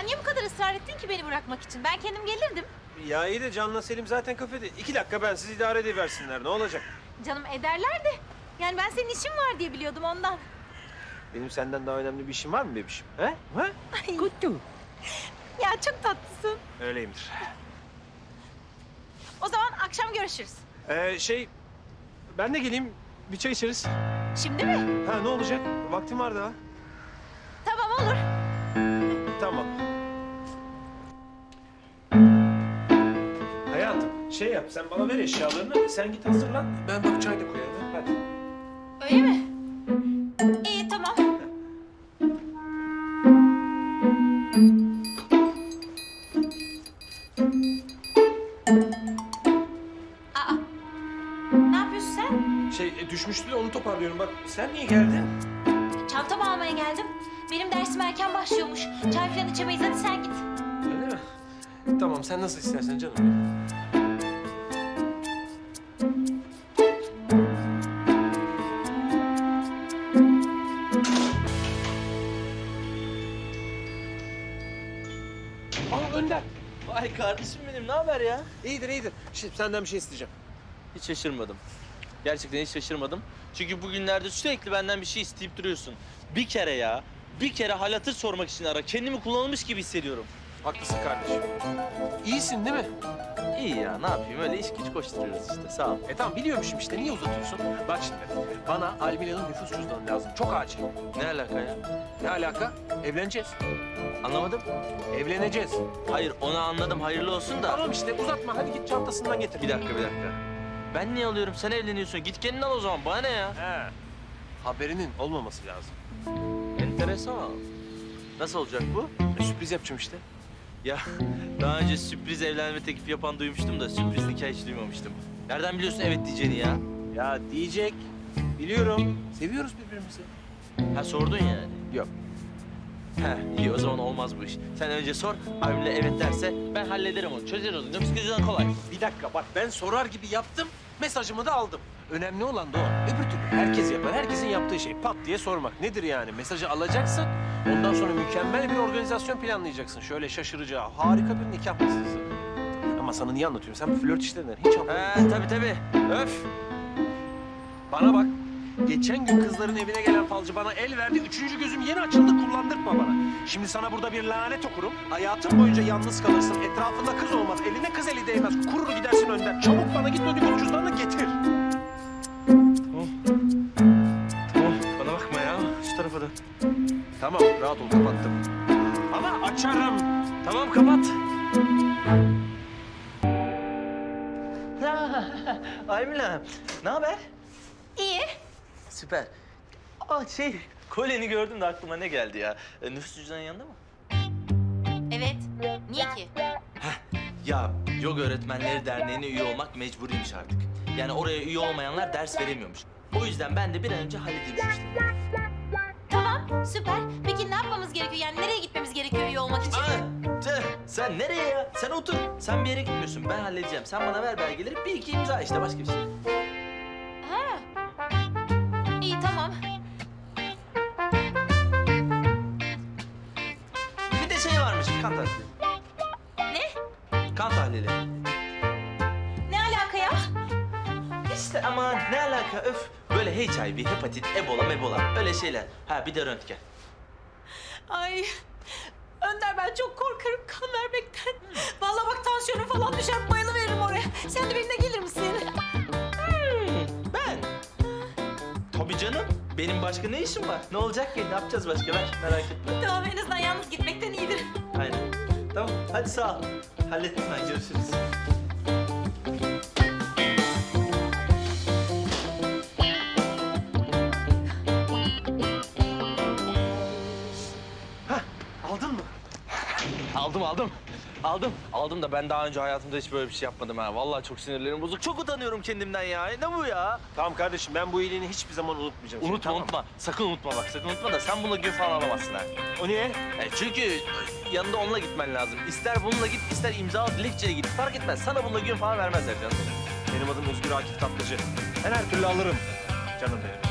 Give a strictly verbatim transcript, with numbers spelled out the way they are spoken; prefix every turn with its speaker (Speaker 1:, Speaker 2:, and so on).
Speaker 1: Sen niye bu kadar ısrar ettin ki beni bırakmak için? Ben kendim gelirdim.
Speaker 2: Ya iyi de Can'la Selim zaten kafede. İki dakika ben siz idare ediversinler. Ne olacak?
Speaker 1: Canım ederler de. Yani ben senin işin var diye biliyordum ondan.
Speaker 2: Benim senden daha önemli bir işim var mı bebişim? He? He?
Speaker 1: Ay. Ya çok tatlısın.
Speaker 2: Öyleyimdir.
Speaker 1: O zaman akşam görüşürüz.
Speaker 2: Ee, şey, ben de geleyim. Bir çay içeriz.
Speaker 1: Şimdi mi?
Speaker 2: Ha ne olacak? Vaktim var daha.
Speaker 1: Tamam olur.
Speaker 2: Tamam. Hayatım, şey yap. Sen bana ver eşyalarını. Sen git hazırlan. Ben bak çay da koyarım. Hadi.
Speaker 1: Öyle mi? İyi tamam. Aa. Ne yapıyorsun sen?
Speaker 2: Şey, e, düşmüştü de onu toparlıyorum. Bak, sen niye geldin?
Speaker 1: Çantamı almaya geldim. Benim dersim erken başlıyormuş. Çay falan içemeyiz. Hadi sen git.
Speaker 2: Öyle mi? Tamam, sen nasıl istersen canım benim. Aa, Önder.
Speaker 3: Vay kardeşim benim, ne haber ya?
Speaker 2: İyidir, iyidir. Şimdi senden bir şey isteyeceğim.
Speaker 3: Hiç şaşırmadım. Gerçekten hiç şaşırmadım. Çünkü bugünlerde sürekli benden bir şey isteyip duruyorsun. Bir kere ya, bir kere hal hatır sormak için ara. Kendimi kullanılmış gibi hissediyorum.
Speaker 2: Haklısın kardeşim. İyisin değil mi?
Speaker 3: İyi ya, ne yapayım? Öyle iş güç koşturuyoruz işte, sağ ol.
Speaker 2: E tamam biliyormuşum işte. Niye uzatıyorsun? Bak şimdi. Bana Almila'nın nüfus cüzdanı lazım. Çok acil.
Speaker 3: Ne alaka ya?
Speaker 2: Ne alaka? Evleneceğiz.
Speaker 3: Anlamadım.
Speaker 2: Evleneceğiz.
Speaker 3: Hayır, onu anladım. Hayırlı olsun da.
Speaker 2: Tamam işte uzatma. Hadi git çantasından getir.
Speaker 3: Bir dakika, bir dakika. Ben niye alıyorum? Sen evleniyorsun. Git kendin al o zaman. Bana ne ya?
Speaker 2: He. Haberinin olmaması lazım.
Speaker 3: Enteresan. Nasıl olacak bu?
Speaker 2: E, sürpriz yapacağım işte.
Speaker 3: Ya daha önce sürpriz evlenme teklifi yapan duymuştum da sürpriz nikah hiç duymamıştım. Nereden biliyorsun evet diyeceğini ya?
Speaker 2: Ya diyecek. Biliyorum. Seviyoruz birbirimizi.
Speaker 3: Ha sordun yani.
Speaker 2: Yok.
Speaker 3: Ha iyi o zaman olmaz bu iş. Sen önce sor, Avni evet derse ben hallederim onu. Çözeriz onu. Yoksa yüzden kolay.
Speaker 2: Bir dakika bak ben sorar gibi yaptım. Mesajımı da aldım. Önemli olan da o. Öbür türlü herkes yapar. Herkesin yaptığı şey pat diye sormak. Nedir yani? Mesajı alacaksın. Ondan sonra mükemmel bir organizasyon planlayacaksın. Şöyle şaşıracağı harika bir nikah masası. Ama sana niye anlatıyorum? Sen bu flört işlerinden hiç anlamıyorsun.
Speaker 3: He tabii tabii. Öf.
Speaker 2: Bana bak. Geçen gün kızların evine gelen falcı bana el verdi. Üçüncü gözüm yeni açıldı. Kullandırtma bana. Şimdi sana burada bir lanet okurum. Hayatın boyunca yalnız kalırsın. Etrafında kız olmaz. Eline kız eli değmez. Kurur gidersin önden. Çabuk bana git o nüfus cüzdanını getir.
Speaker 3: Tamam. Tamam bana bakma ya. Şu tarafa da.
Speaker 2: Tamam rahat ol kapattım. Ama açarım.
Speaker 3: Tamam kapat. Aymila, ne haber?
Speaker 1: İyi.
Speaker 3: Süper. Aa şey, kolyeni gördüm de aklıma ne geldi ya? E, nüfus cüzdanın yanında mı?
Speaker 1: Evet. Niye ki?
Speaker 3: Ya Yoga Öğretmenleri Derneği'ne üye olmak mecburiymiş artık. Yani oraya üye olmayanlar ders veremiyormuş. O yüzden ben de bir an önce halledeyim şu işleri.
Speaker 1: Tamam süper. Peki ne yapmamız gerekiyor? Yani nereye gitmemiz gerekiyor üye olmak için?
Speaker 3: Aa, tüh, sen nereye ya? Sen otur. Sen bir yere gitmiyorsun. Ben halledeceğim. Sen bana ver belgeleri. Bir iki imza işte başka bir şey.
Speaker 1: Ha. İyi tamam.
Speaker 3: Bir de şey varmış kan tahlili.
Speaker 1: Ne?
Speaker 3: Kan tahlili.
Speaker 1: Ne alaka ya?
Speaker 3: İşte aman ne alaka öf. Böyle H I V, hepatit, ebola, mebola öyle şeyler. Ha bir de röntgen.
Speaker 1: Ay Önder ben çok korkarım kan vermekten. Vallahi bak tansiyonum falan düşer bayılıveririm oraya. Sen de benimle gelir misin?
Speaker 3: Hmm, ben? Tabii canım. Benim başka ne işim var? Ne olacak ki? Ne yapacağız başka? Ver merak etme.
Speaker 1: Tamam en azından yalnız gitmekten iyidir.
Speaker 3: Aynen. Tamam hadi sağ ol. Hallettim ben görüşürüz.
Speaker 2: Aldın mı?
Speaker 3: Aldım aldım. Aldım. Aldım da ben daha önce hayatımda hiç böyle bir şey yapmadım ha. Vallahi çok sinirlerim bozuk. Çok utanıyorum kendimden ya. Ne bu ya?
Speaker 2: Tamam kardeşim ben bu iyiliğini hiçbir zaman unutmayacağım. seni,
Speaker 3: Unutma
Speaker 2: tamam.
Speaker 3: unutma. Sakın unutma bak. Sakın unutma da sen bununla gün falan alamazsın ha.
Speaker 2: O niye?
Speaker 3: E çünkü yanında onunla gitmen lazım. İster bununla git, ister imza dilekçeye git. Fark etmez. Sana bununla gün falan vermezler canım.
Speaker 2: Benim adım Özgür Akif Tatlıcı. Ben her türlü alırım. Canım benim.